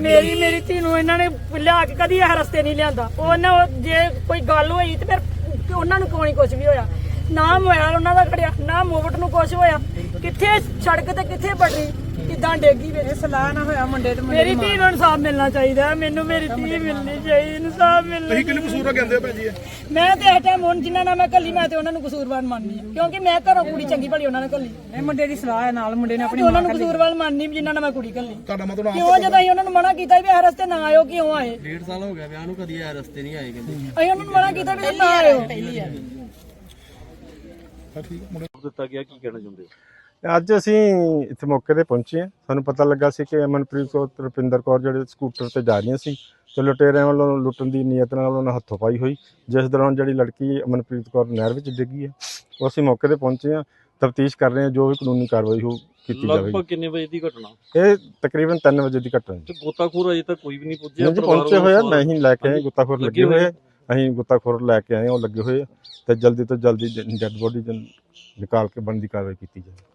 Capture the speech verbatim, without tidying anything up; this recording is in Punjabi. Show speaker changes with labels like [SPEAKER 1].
[SPEAKER 1] ਮੇਰੀ ਮੇਰੀ ਧੀ ਨੂੰ ਇਹਨਾਂ ਨੇ ਲਿਆ ਕੇ ਕਦੀ ਇਹ ਰਸਤੇ ਨਹੀਂ ਲਿਆਂਦਾ। ਉਹਨਾਂ ਜੇ ਕੋਈ ਗੱਲ ਹੋਈ ਤੇ ਫਿਰ ਉਹਨਾਂ ਨੂੰ ਕੋਈ ਕੁਝ ਵੀ ਹੋਇਆ ਨਾ, ਮੋਬਾਈਲ ਉਹਨਾਂ ਦਾ ਖੜਿਆ ਨਾ, ਮੋਬਟ ਨੂੰ ਕੁਝ ਹੋਇਆ। ਕਿੱਥੇ ਸੜਕ ਤੇ ਕਿੱਥੇ ਬੜੀ ਕਿਦਾਂ ਡੇਗੀ ਵਿੱਚ ਸਲਾਹ ਨਾ ਹੋਇਆ ਮੁੰਡੇ ਤੇ ਮੇਰੀ ਧੀ ਨੂੰ ਇਨਸਾਫ ਮਿਲਣਾ ਚਾਹੀਦਾ। ਮੈਨੂੰ ਮੇਰੀ ਧੀ ਮਿਲਣੀ ਚਾਹੀਦੀ, ਇਨਸਾਫ ਮਿਲਣਾ।
[SPEAKER 2] ਤੁਸੀਂ ਕਿਹਨੂੰ ਕਸੂਰ ਕਹਿੰਦੇ ਹੋ ਭੈਣ ਜੀ?
[SPEAKER 1] ਮੈਂ ਤੇ ਇਸ ਟਾਈਮ ਹੁਣ ਜਿਨ੍ਹਾਂ ਨਾਲ ਮੈਂ ਕੱਲੀ ਮੈਂ ਤੇ ਉਹਨਾਂ ਨੂੰ ਕਸੂਰਵਾਰ ਮੰਨਦੀ ਆ, ਕਿਉਂਕਿ ਮੈਂ ਘਰੋਂ ਕੁੜੀ ਚੰਗੀ ਭਲੀ ਉਹਨਾਂ ਨੇ ਕੱਲੀ। ਇਹ ਮੁੰਡੇ ਦੀ ਸਲਾਹ ਹੈ ਨਾਲ, ਮੁੰਡੇ ਨੇ ਆਪਣੀ ਉਹਨਾਂ ਨੂੰ ਕਸੂਰਵਾਰ ਮੰਨਦੀ ਜਿਨ੍ਹਾਂ ਨਾਲ ਮੈਂ ਕੁੜੀ ਕੱਲੀ।
[SPEAKER 2] ਤੁਹਾਡਾ ਮਤਲਬ
[SPEAKER 1] ਕਿਉਂ ਜਦੋਂ ਅਸੀਂ ਉਹਨਾਂ ਨੂੰ ਮਨਾ ਕੀਤਾ ਵੀ ਇਹ ਰਸਤੇ ਨਾ ਆਇਓ, ਕਿਉਂ ਆਏ?
[SPEAKER 3] ਡੇਢ ਸਾਲ ਹੋ ਗਿਆ ਵਿਆਹ ਨੂੰ, ਕਦੀ ਇਹ ਰਸਤੇ ਨਹੀਂ ਆਏ ਕਹਿੰਦੇ।
[SPEAKER 1] ਅਸੀਂ ਉਹਨਾਂ ਨੂੰ ਮਨਾ ਕੀਤਾ ਵੀ ਨਾ ਆਇਓ।
[SPEAKER 4] ਦਿੱਤਾ ਗਿਆ, ਕੀ ਕਹਿਣਾ ਚਾਹੁੰਦੇ ਹੋ?
[SPEAKER 5] ਅੱਜ ਅਸੀਂ ਇੱਥੇ ਮੌਕੇ ਤੇ ਪਹੁੰਚੇ ਹਾਂ। ਸਾਨੂੰ ਪਤਾ ਲੱਗਾ ਸੀ ਕਿ ਅਮਨਪ੍ਰੀਤ ਕੌਰ ਤੇ ਰੁਪਿੰਦਰ ਕੌਰ ਜਿਹੜੇ ਸਕੂਟਰ ਤੇ ਜਾ ਰਹੀਆਂ ਸੀ ਤੇ ਲੁਟੇਰਿਆਂ ਵੱਲੋਂ ਲੁੱਟਣ ਦੀ ਨੀਅਤ ਨਾਲ ਉਹਨਾਂ ਨਾਲ ਹੱਥੋਂ ਪਾਈ ਹੋਈ, ਜਿਸ ਦੌਰਾਨ ਜਿਹੜੀ ਲੜਕੀ ਅਮਨਪ੍ਰੀਤ ਕੌਰ ਨਹਿਰ ਵਿੱਚ ਡਿੱਗੀ ਹੈ। ਉਹ ਅਸੀਂ ਮੌਕੇ ਤੇ ਪਹੁੰਚੇ ਹਾਂ, ਤਫਤੀਸ਼ ਕਰ ਰਹੇ ਹਾਂ, ਜੋ ਵੀ ਕਾਨੂੰਨੀ ਕਾਰਵਾਈ ਹੋ ਕੀਤੀ ਜਾਵੇਗੀ।
[SPEAKER 4] ਲਗਭਗ ਕਿੰਨੇ ਵਜੇ ਦੀ ਘਟਨਾ?
[SPEAKER 5] ਇਹ ਤਕਰੀਬਨ ਤਿੰਨ ਵਜੇ ਦੀ ਘਟਨਾ
[SPEAKER 4] ਤੇ ਗੋਤਾਖੋਰ ਅਜੇ ਤੱਕ ਕੋਈ ਵੀ ਨਹੀਂ ਪੁੱਜਿਆ?
[SPEAKER 5] ਜੀ ਪਹੁੰਚੇ ਹੋਏ ਆ, ਮੈਂ ਹੀ ਲੈ ਕੇ ਆਏ, ਗੁੱਤਾਖੋਰ ਲੱਗੇ ਹੋਏ ਆ, ਅਸੀਂ ਗੁੱਤਾਖੋਰ ਲੈ ਕੇ ਆਏ, ਉਹ ਲੱਗੇ ਹੋਏ ਆ ਤੇ ਜਲਦੀ ਤੋਂ ਜਲਦੀ ਡੈੱਡ ਬੋਡੀ ਨਿਕਾਲ ਕੇ ਬਣਦੀ ਕਾਰਵਾਈ ਕੀਤੀ ਜਾਵੇ।